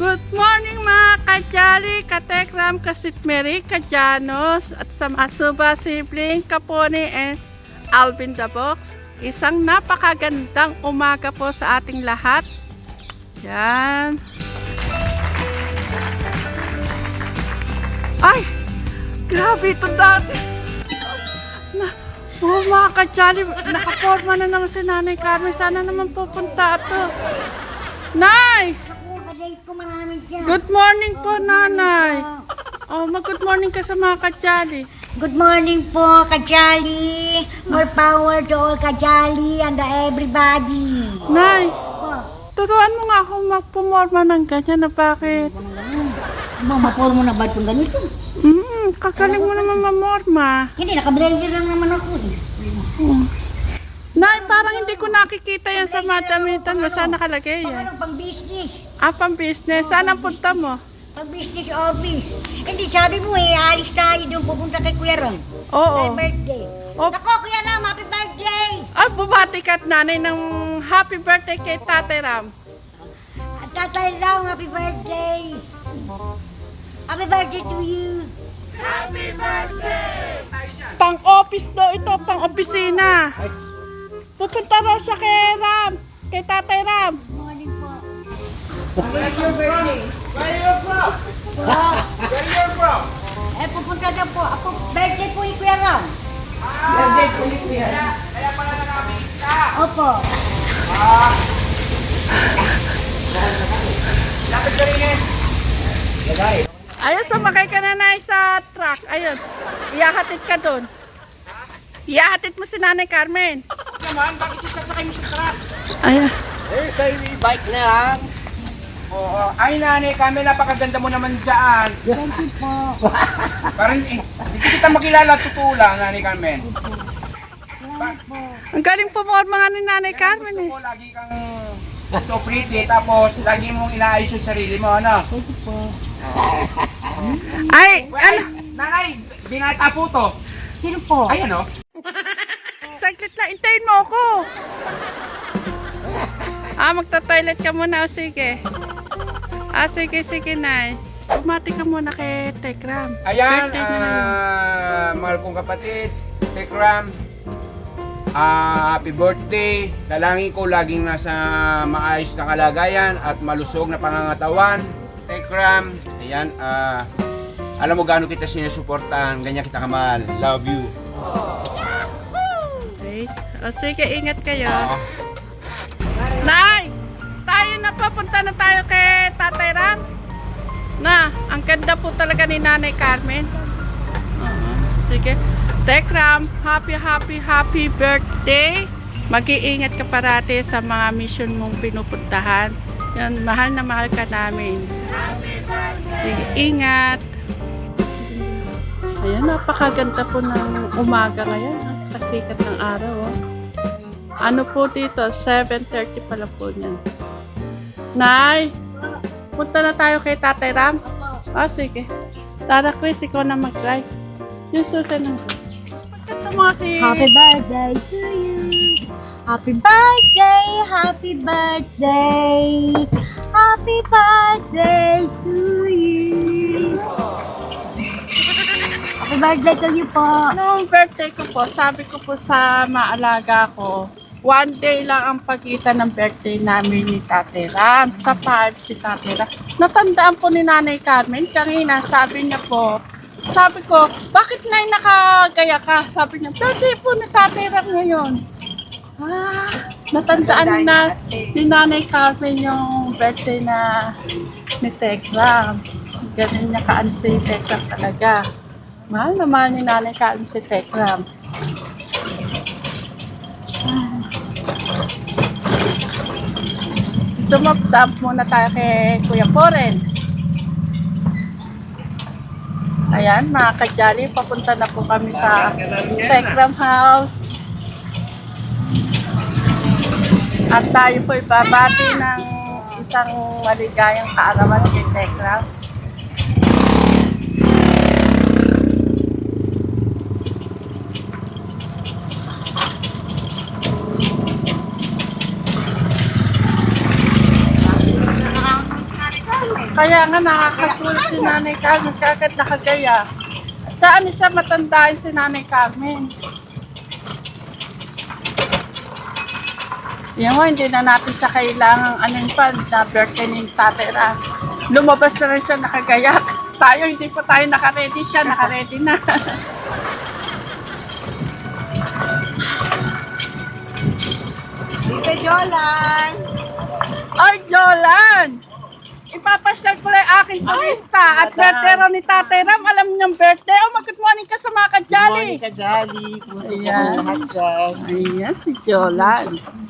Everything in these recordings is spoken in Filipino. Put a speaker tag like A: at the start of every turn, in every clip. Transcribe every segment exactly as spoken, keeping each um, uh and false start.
A: Good morning mga kajali, katekram, kasitmeri, kajanos, at sa mga suba sibling, kapone, and Alvin the Box. Isang napakagandang umaga po sa ating lahat. Yan. Ay! Grabe ito dati. Na, oh mga kajali, nakaporma na naman si Nanay Carmen. Sana naman pupunta ito. Nay! Good morning po, Nanay. Oh, mag-good morning ka sa mga kajali.
B: Good morning po, Kajali. More power to all Kajali and everybody.
A: Nay,
B: Po,
A: turuan mo nga ako magpumorma ng ganyan na bakit?
B: mamapol mo na ba itong ganito?
A: Mm, kagaling mo naman mamorma.
B: Hindi, nakablender lang naman ako eh.
A: Mm. Nay, parang hindi ko nakikita yan sa madamitan mo. Saan nakalagay
B: Pang
A: yan?
B: ano, pang business.
A: Ah, pang business. Saan ang punta mo?
B: Pang business office. Hindi, sabi mo eh, alis tayo doon pupunta kay Kuya Ron.
A: Oo.
B: Dahil birthday.
A: Oh.
B: Nako, Kuya Ram, happy birthday!
A: Ah, bumati ka at nanay ng happy birthday kay Tatay Ram.
B: At Tatay Ram, happy birthday! Happy birthday to you!
A: Pang-office daw ito, pang-opisina. Pupunta raw siya kay Ram, kay Tatay Ram.
B: Good morning po.
C: Where you from? Where you from? Where you from?
B: Eh, pupunta na po. Ako, birthday po ni Kuya Ram.
C: Birthday ko ni Kuya. Kaya pala nakabis ka.
B: Opo.
C: Lapit ka rin eh. Lagay.
A: Ayun, sumakay ka na na sa truck. Ayun, iyahatid ka doon. Iyahatid mo si Nanay Carmen.
C: Naman, bakit yung sasakay mo sa truck?
A: Ayun.
C: Eh, sa bike na lang. Oo. Ay, Nanay kami, napakaganda mo naman dyan.
B: Thank you po.
C: Parang, eh, hindi kita makilala, totoo lang, Nanay Carmen.
B: Salamat po.
A: Ang galing pumorma nga ni Nanay Carmen eh.
C: Gusto ko, lagi kang so pretty, tapos lagi mong inaayos yung sarili mo, ano?
B: Thank you po.
A: Ay,
C: Well, ay,
A: ano?
C: Nanay, binata po to.
B: Sino po?
C: Ay, ano?
A: Saglit lang, intayin mo ako. Ah, magta-toilet ka muna. O, sige. Ah, sige, sige, Nay. Bumati ka muna kay Tekram.
C: Ayan,
A: Birthday niya ngayon.
C: ah, mahal kong kapatid, Tekram, ah, happy birthday. Dalangin ko laging nasa maayos na kalagayan at malusog na pangangatawan. Tekram, ayan, ah, alam mo gaano kita sinusuportahan, ganyan kita kamahal. Love you.
A: Okay. O, sige, ingat kayo.
C: Ah,
A: Nay! Tayo na, papunta na tayo kay Tatay Ram. Na, ang ganda po talaga ni Nanay Carmen. Oo. Sige. Tekram, happy, happy, happy birthday. Mag-iingat ka parati sa mga mission mong pinupuntahan. Yan, mahal na mahal ka namin. Sige, ingat. Ayan, napakaganda po ng umaga ngayon. Ha? Kasikat ng araw. Oh. Ano po dito? seven thirty pala po niyan. Nay, punta na tayo kay Tatay Ram. Oh, sige. Tara, Chris, ikaw na mag-drive. Yung susunod. Pagkata mo si...
B: Happy birthday to you. Happy birthday, happy birthday. Happy birthday to you. Happy birthday to you po.
A: Noong birthday ko po, sabi ko po sa maalaga ko, one day lang ang pagitan ng birthday namin ni Tatay Ram. Sa five si Tatay Ram. Natandaan po ni Nanay Carmen, kanina sabi niya po, sabi ko, bakit na nakagaya ka? Sabi niya, birthday po ni Tatay Ram ngayon. Ah, natandaan na ni Nanay Carmen yung birthday na ni Tekram. Ganun niya kaan si Tekram talaga. Mahal na mahal ni Nanay Carmen si Tekram. Dumap-dump muna tayo kay Kuya Poren. Ayan, mga kajali, papunta na po kami sa Tekram House. At tayo po ibabati ng isang maligayang kaarawan kay Tekram. Kaya nga nakakasulit si Nanay Carmen, kagad nakagaya. Saan siya matandaan si Nanay Carmen? Yan mo, hindi na natin siya kailangang anong pa na birthday ni Tatay Ram. Lumabas na rin siya nakagayak. Tayo, hindi pa tayo nakaredy siya, nakaredy na.
D: Tita Jolan!
A: Ay, Jolan! Ipapasyal ko lang yung aking turista at birthday rin ni Tatay Ram. Alam niyang birthday. Oh, mag-good morning ka sa mga kajali.
D: Monica Jolly, kumusta po
A: Ayan.
D: ang lahat dyan?
A: Ayan, si Jolan.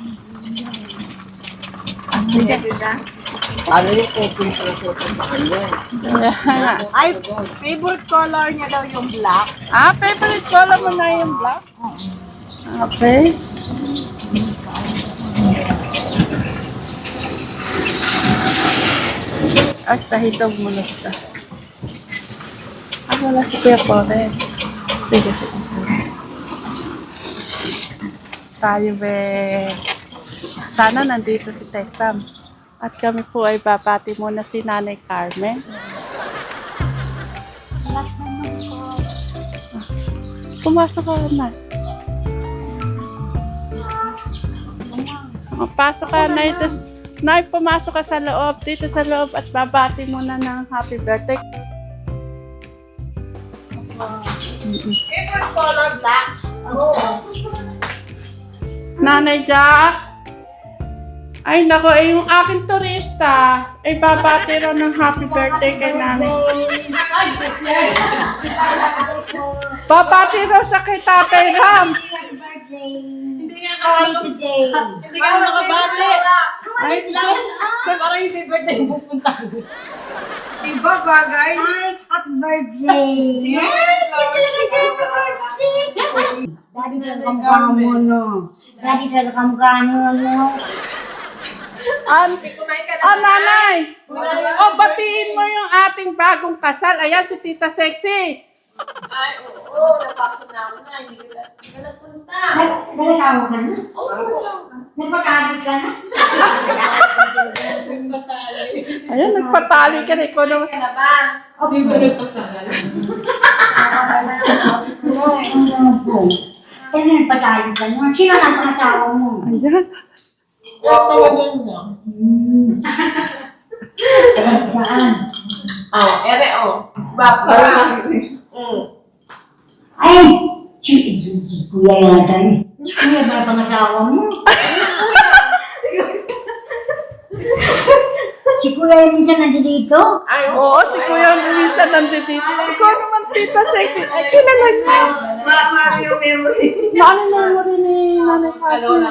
D: Sige, tita. Paano yung copy sa suot sa kanya? Ay, favorite color niya daw yung black.
A: Ah, favorite color mo na yung black? Okay. Ay, tahitog mo na siya. Ah, wala si Kuya Kore. Sige, sige. Tayo, be. Sana nandito si Tekram. At kami po ay babati muna si Nanay Carmen. Ah, pumasok ka na. Oh, pasok ka na ito. Nay, pumasok ka sa loob, dito sa loob at babati muna ng happy birthday.
D: Favorite color black? Oo.
A: Nanay Jack? Ay, nako, eh, yung aking turista, ay babati rin ng happy birthday kay Nanay. Babati rin sa kay Tatay Ram.
B: Hindi nga today.
D: Hindi ka nakabate.
A: Ay,
D: Parang hindi birthday yung pupunta. Diba bagay?
B: Hi, happy birthday! Daddy talaga kamukha mo, no? Daddy talaga kamukha mo, no?
A: An oh, Nanay! Oh, batiin mo yung ating bagong kasal. Ayan, si Tita Sexy.
E: Ay, oo, napasok na ako na. Hindi ka hindi ka nagpunta.
B: Nag-asawa ka na?
E: Oo,
B: Nagpatagid ka na?
A: Ayan, nagpatali ka na. Ikaw naman.
E: ka na ba? Hindi ba nagpasakal?
B: Ano po? Kaya nagpatagid ka na? Sino ang asawa mo?
A: Ayan.
E: Tawagan niya.
B: Saan?
E: Oh, ere, oh. Bapa. Mm.
B: Ay! Si, si, si Kuya yata eh. Si Kuya ba ang asawa mo? Si Kuya yung minsan nandito?
E: Ay,
A: Oo, si Kuya Luisa nandito. Ikaw naman, Tita Sexy. Ay, kilala niya.
D: Mama yung memory.
A: Maano na mo rin ni Nanay Carmen.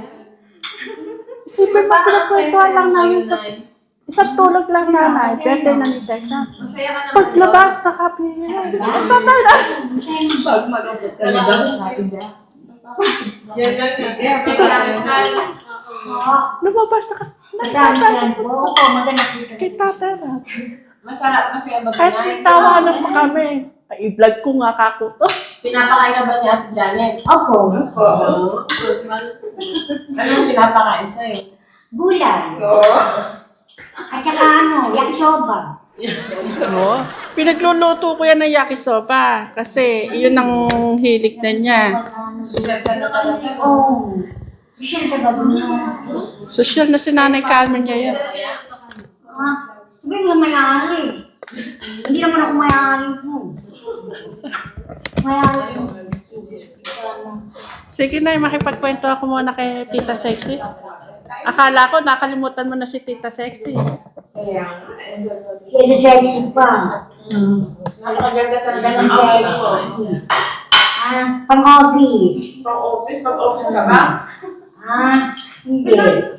A: Isipin mo, pinagkwentuhan lang namin sa isang tulog lang nanay. Birthday na ni Tekram.
E: masaya ka naman.
A: Paglabas sa kape. Ang tatay na.
D: Pag malungkot ka na daw.
E: Yan lang yan. Ikaw lang, smile.
A: Lumabas na ka.
B: Madami
A: Nagsasal
B: yan po. Oo, maganda po.
A: kay tatay na.
E: Masarap, masaya ba
A: Kahit
E: ba
A: may tawanan pa kami. Ay, i-vlog ko nga kako to.
E: Pinapakain ka ba ni Ate Janet?
B: Opo.
E: Oo. Anong pinapakain sa'yo?
B: Gulay.
D: Oo.
B: At saka ano, yakisoba.
A: Oo. Pinagluluto ko yan ng yakisoba. Kasi yun ang hilig na niya.
E: Susyal ka na talaga.
B: Oo. Siya taga mo.
A: Social na si Nanay Carmen ngayon.
B: Ah, sabi mo mayari. Hindi naman ako mayari po. Mayari po.
A: Sige na, makipagkwento ako muna kay Tita Sexy. Akala ko nakalimutan mo na si Tita Sexy.
E: Kaya nga, eh, ganda.
B: Kaya sexy pa.
E: Napakaganda talaga ng outfit mo.
B: Ah, pang-office.
E: Pang-office, pang-office ka ba?
B: Ah, hindi.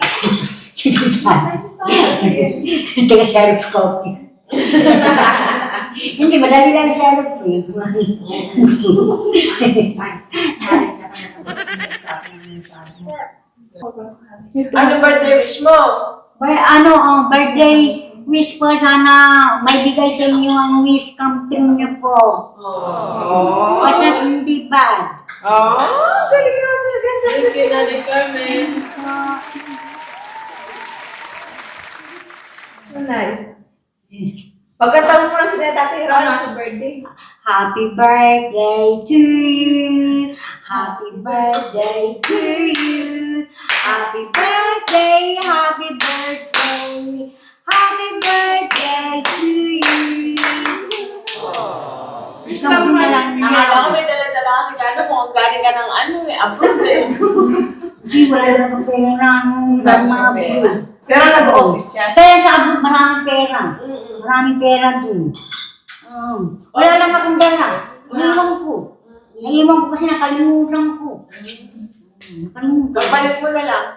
B: Taga sheriff's copy. Hindi, madali lang sheriff eh.
E: Ano birthday wish mo?
B: May ano, ang birthday wish po, sana may bigay sa inyo ang wish come true niyo po.
E: Oh.
B: Basta hindi ba?
D: Oh, galing natin.
E: Thank you, Nanay Carmen.
D: Nice. Pagkatawag mo na si Tatay Ram, happy birthday.
B: Happy birthday to you. Happy birthday to you. Happy birthday, happy birthday. Happy birthday to you. Gusto mo na lang
E: Akala ko
B: niya.
E: may dala-dala ka regalo mo. Ang galing ka ng ano eh. Approved eh.
B: Hindi, wala na kasi ng mga pera.
D: Pero nag-office siya.
B: Pero sa abot, maraming pera.
E: Mm-mm.
B: Maraming pera dun. Um, wala lang akong dala. Naiwan ko. Naiwan ko kasi nakalimutan ko. Nakalimutan.
E: Kapalit mo na lang.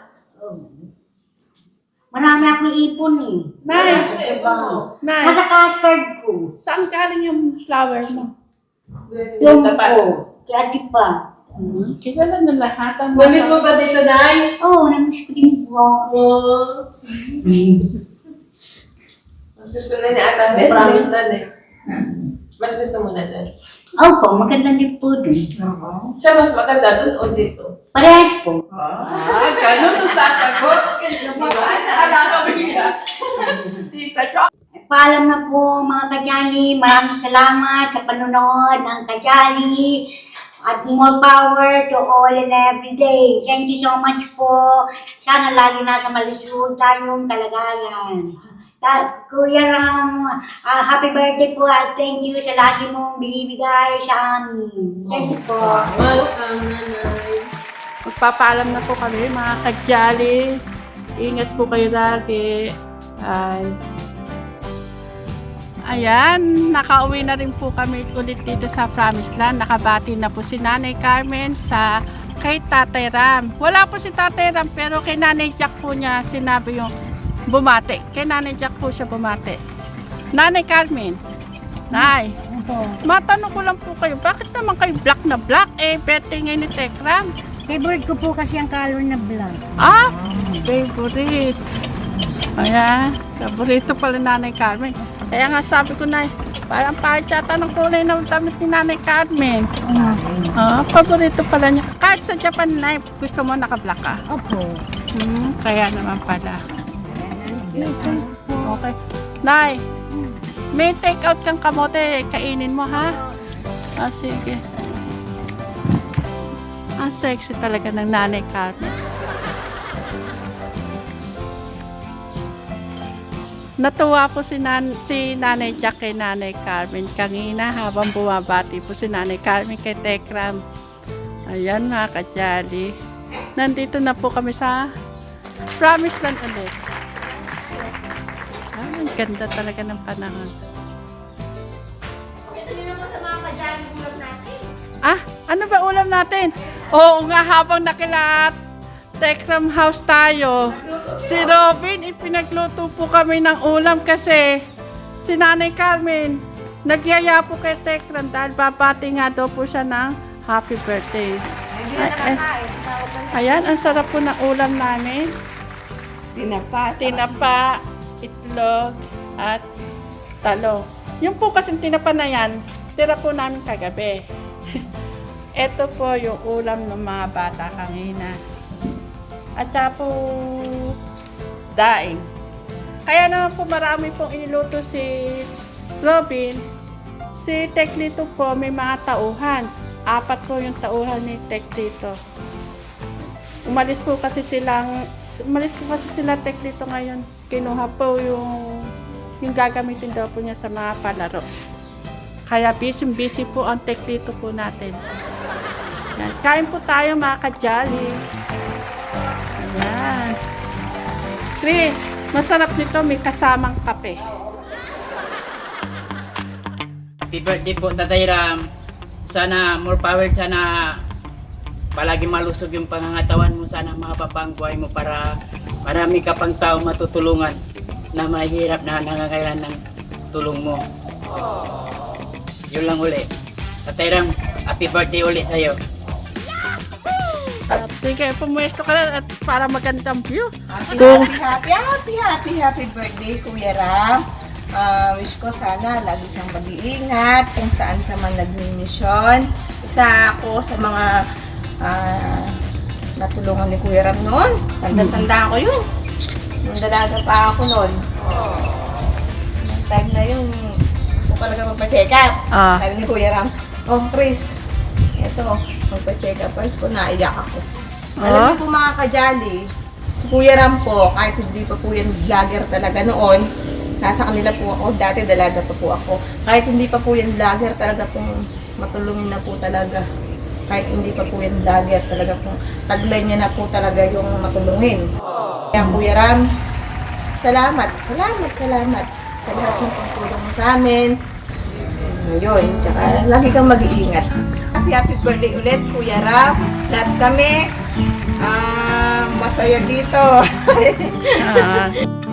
B: Marami akong ipon eh.
A: Nay,
E: Kasi na iba mo.
A: Nay,
B: Nasa custard ko.
A: saan galing yung flower mo?
B: Yung
E: Sa pa.
B: ko. Kaya di pa.
A: Kilala na lahat ang
D: Namiss mo ba dito, Nay?
B: Oo, oh, namiss ko din po.
E: Oh. Mas gusto na ni Ata Ben. Promise na eh. Mas gusto mo na din.
B: Opo, maganda din po dun.
E: Siya mas maganda dun o dito?
B: Parehas po.
A: Ah, ganun ang sasagot. Kaya naman, naalala ko yun. Tita Chok.
B: Paalam na po mga kajali. Maraming salamat sa panonood ng kajali. At more power to all and every day. Thank you so much po. Sana lagi nasa malusog tayong kalagayan. Ta- Kuya Ram, ah, happy birthday po at thank you sa lagi mong binibigay sa amin. Thank you po.
E: Welcome, nanay.
A: Magpapaalam na po kami mga kajali. Ingat po kayo lagi. Ay. Ayan, nakauwi na rin po kami ulit dito sa Promised Land. Nakabati na po si Nanay Carmen sa kay Tatay Ram. Wala po si Tatay Ram pero kay Nanay Jack po niya sinabi yung bumati. Kay Nanay Jack po siya bumati. Nanay Carmen, Nay,
B: Opo.
A: matanong ko lang po kayo, bakit naman kayo black na black? Eh, birthday ngayon ni Tekram.
B: Favorite ko po kasi ang color na black.
A: Ah, favorite. Ayan, paborito pala Nanay Carmen. Kaya nga sabi ko na, parang pahit yata ng kulay ng damit ni Nanay Carmen. Ah, paborito pala niya. Kahit sa Japan na, gusto mo naka-black ka.
B: Opo.
A: Hmm, kaya naman pala. Okay. Nay, may take out kang kamote, kainin mo ha? Ah, sige. Ang sexy talaga ng Nanay Carmen. Natuwa po si, nan si Nanay Jack kay Nanay Carmen kanina habang bumabati po si Nanay Carmen kay Tekram. Ayan mga kajali. Nandito na po kami sa Promised Land ulit. Ay, ang ganda talaga ng panahon.
D: Ito nyo naman sa mga kajali ulam natin.
A: Ah, ano ba ulam natin? Oo nga, habang nakilat Tekram House tayo. Si Robin, ipinagluto po kami ng ulam kasi si Nanay Carmen nagyaya po kay Tekram dahil babati nga daw po siya ng happy birthday.
D: Hindi na nakakain. Tawag ka na.
A: Ayan, ang sarap po ng ulam namin.
D: Tinapa.
A: Tinapa, itlog, at talong. Yung po kasing tinapa na yan, tira po namin kagabi. Ito po yung ulam ng mga bata kanina. At saka po daing. Kaya naman po marami pong iniluto si Robin. Si Teklito po may mga tauhan. Apat po yung tauhan ni Teklito. Umalis po kasi silang umalis po kasi sila Teklito ngayon. Kinuha po yung yung gagamitin daw po niya sa mga palaro. Kaya busy-busy po ang Teklito po natin. Yan. Kain po tayo mga kajali. Ayan. Chris, masarap nito, may kasamang kape.
F: Happy birthday po, Tatay Ram. Sana more power, sana palagi malusog yung pangangatawan mo. Sana mahaba ang buhay mo para marami ka pang tao matutulungan na mahirap na nangangailan ng tulong mo. Yun lang uli. Tatay Ram, happy birthday ulit sa'yo.
A: At sige, pumuesto ka na at para magandang view.
D: Happy,
A: Kung-
D: happy, happy, happy, happy birthday, Kuya Ram. Ah, wish ko sana lagi kang mag-iingat kung saan ka man nagmi-mission. Isa ako sa mga ah, natulungan ni Kuya Ram noon. Tanda-tanda ko yun. Nung dalaga pa ako noon. Nung time magpa-check up.
A: Ah.
D: Sabi ni Kuya Ram, oh Chris, eto, magpa-check up. First ko, naiyak ako. Alam
A: Ah.
D: niyo po mga kajali, si Kuya Ram po, kahit hindi pa po yan vlogger talaga noon, nasa kanila po ako, dati dalaga pa po ako. Kahit hindi pa po yan vlogger, talaga pong matulungin na po talaga. Kahit hindi pa po yan vlogger, talaga pong taglay niya na po talaga yung matulungin. Kaya Kuya Ram, salamat, salamat, salamat sa lahat ng pagtulong mo sa amin. Yun, tsaka lagi kang mag-iingat. Happy, happy birthday ulit, Kuya Ram. Lahat kami, ah, masaya dito.
A: Ah.